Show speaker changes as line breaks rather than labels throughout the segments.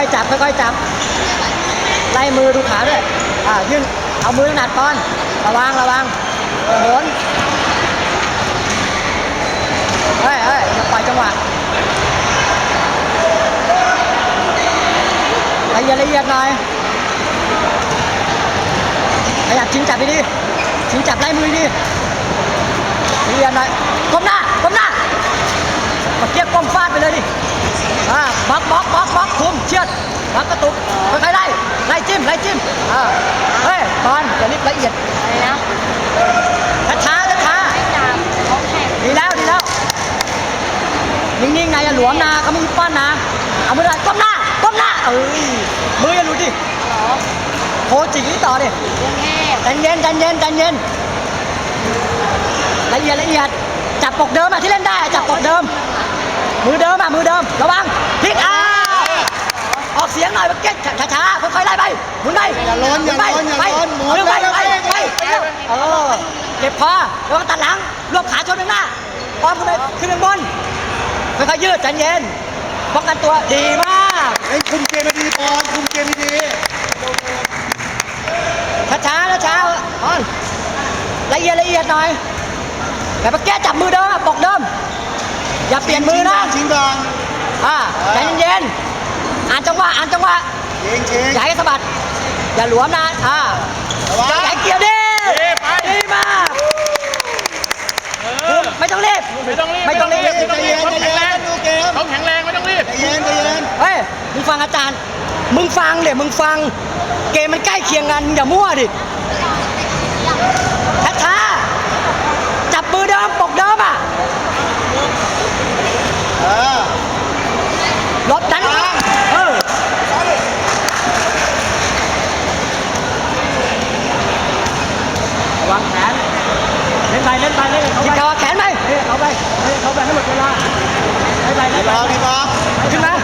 อยๆจับค่อยๆจับไล่มือดูขาด้วยยื่นเอามือหนัดก่อนระวังโหนเฮ้ยอย่าปล่อยจังหวะละเอียดหน่อยขยับชิงจับไปดิชิงจับไล่มือดิละเอียดหน่อยก้มหน้าเกี้ยก้มฟาดไปเลยดิบล็อกคุมเชือดบล็อกกระตุกค่อยๆไล่จิ้มเฮ้ยตอนอย่ารีบละเอียดช้าดีแล้วนิ่งๆนะอย่าหลวมนะเขาไม่มีป้อนนะเอามือก้มหน้ามืออย่าหลุดดิโคจิงต่อดิใจเย็นละเอียดจับปกเดิมที่เล่นได้จับปกเดิมมือเดิมระวังพลิกออกเสียงหน่อยเมื่อกี้ช้าๆค่อยๆไล่ไปหมุนไปอย่าล้นไปเก็บคอแล้วก็ตัดหลังรวบขาชนข้างหน้าป้อมขึ้นไปขึ้นข้างบนค่อยๆยืดใจเย็นป้องกันตัวดีมาก
คุมเกมไม่ดีปอนคุมเกมไม่ดี
ช้าอ่อนละเอียดหน่อยแต่เมื่อกี้จับมือเดิมปกเดิมอย่าเปลี่ยนมือนะ
ชิงดอง
ใจเย็นอ่านจังหวะอย่าให้สะบัดอย่าหลวมนะอย่าให้เกี่ยวดิดีมากไม่ต้องรีบ
ใจเย็นดูเกม
ต้องแข็งแรงไม่ต้องรีบ
ใจเย็น
เฮ้ยมึงฟังอาจารย์มึงฟังเกมมันใกล้เคียงกันอย่ามั่วดิช้าจับมือเดิมปกเดิมรถดันวางแขนเล่นไปคิดเขาแขนไหมเอาไปให้หมดเวลาดีบ้าขึ้นมา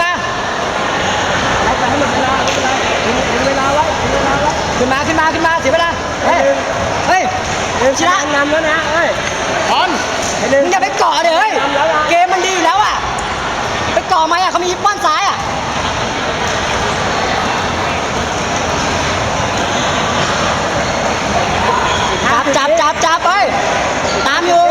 ไปให้หมดเวลาถึงเวลาไว้ขึ้นมาเสียเวลาเฮ้ยชนะนำแล้วนะ
พร้อม
มึงอย่าไปเกาะเดี๋ยวเกมมันดีแล้วไปเกาะไหมเขามีป้อนซ้ายจับไปตามอยู่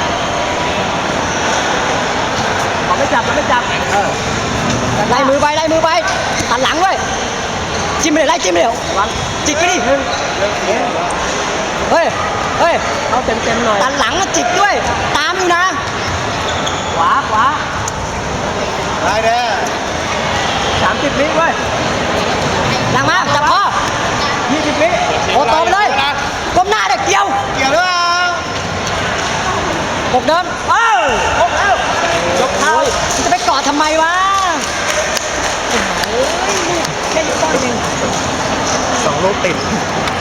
ไม่จับไล่มือไปตัดหลังด้วยจิ้มไปเลยไล่จิ้มไปเลยจิกไปดิเฮ้ยเอาเต็มหน่อยตัดหลังจิกด้วยตามอยู่นะขวา
ได้เด้
อ30 วิเว้ยหลังมาจับคอ20 วิโอ้ต่อไปเลยก้มหน้าเด็กเกี่ยว
ด้วย
ปกเดิมปกแล้วยกเท้าจะไปเกาะทำไมวะแค่ยกต้อยเอง
2 ลูกติด